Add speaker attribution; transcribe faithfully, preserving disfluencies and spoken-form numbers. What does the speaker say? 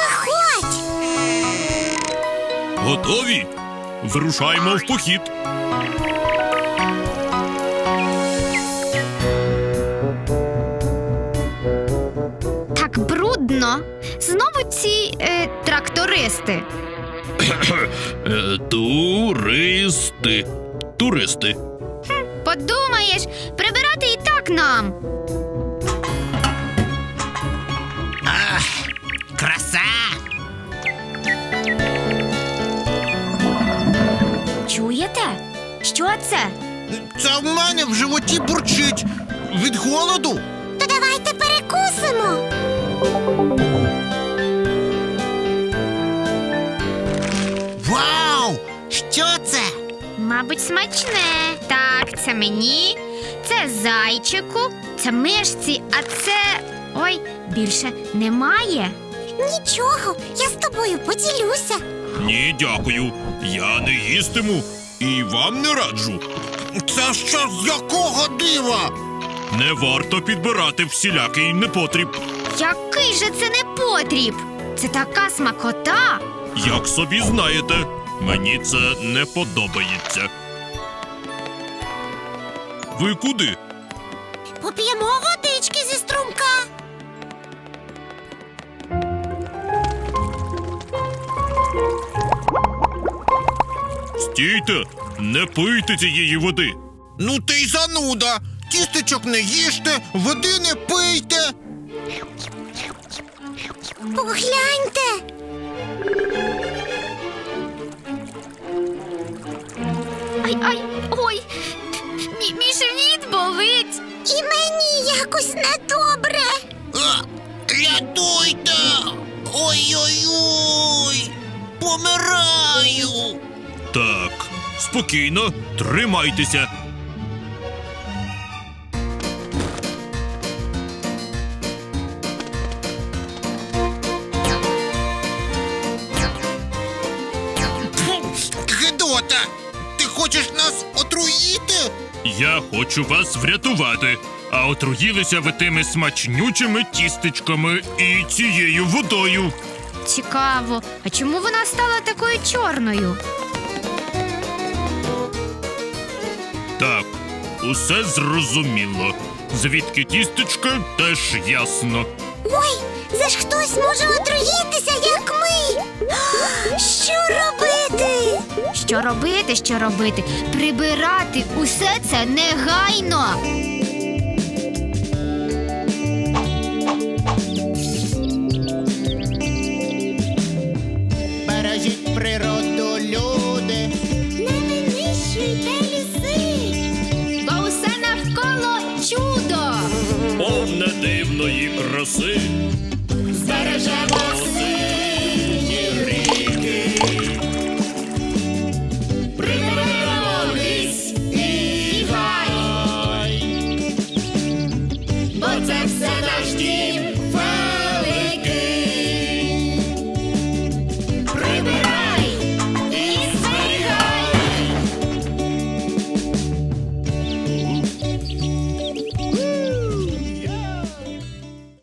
Speaker 1: Виходь!
Speaker 2: Готові? Вирушаємо в похід.
Speaker 3: Так брудно. Знову ці е, трактористи.
Speaker 2: Е, Туристи. Туристи.
Speaker 3: Подумаєш, прибирати і так нам.
Speaker 4: Краса!
Speaker 3: Чуєте? Що це?
Speaker 4: Це в мене в животі бурчить. Від голоду.
Speaker 1: То давайте перекусимо.
Speaker 4: Вау! Що це?
Speaker 3: Мабуть, смачне. Так, це мені, це зайчику, це мишці, а це... Ой, більше немає.
Speaker 1: Нічого, я з тобою поділюся.
Speaker 2: Ні, дякую. Я не їстиму і вам не раджу.
Speaker 4: Це що з якого дива?
Speaker 2: Не варто підбирати всілякий непотріб.
Speaker 3: Який же це непотріб? Це така смакота.
Speaker 2: Як собі знаєте, мені це не подобається. Ви куди?
Speaker 1: Поп'ємо водички зі струмка.
Speaker 2: Стійте! Не пийте цієї води!
Speaker 4: Ну ти й зануда. Тістечок не їжте, води не пийте.
Speaker 1: Погляньте.
Speaker 3: Ай, ай, ой, мій, мій живіт болить.
Speaker 1: І мені якось недобре.
Speaker 4: А, рятуйте! Ой-ой-ой! Помираю!
Speaker 2: Так, спокійно, тримайтеся.
Speaker 4: Гедота! Ти хочеш нас отруїти?
Speaker 2: Я хочу вас врятувати, а отруїлися ви тими смачнючими тістечками і цією водою.
Speaker 3: Цікаво, а чому вона стала такою чорною?
Speaker 2: Так, усе зрозуміло. Звідки тістечка, теж ясно.
Speaker 1: Ой, це ж хтось може отруїтися, як ми. Що робити?
Speaker 3: Що робити, що робити? Прибирати усе це негайно.
Speaker 4: Бережіть природу, люди.
Speaker 1: Не винищуйте ліси.
Speaker 3: Бо усе навколо чудо.
Speaker 2: Повне дивної краси.
Speaker 3: Збережемо
Speaker 2: Оси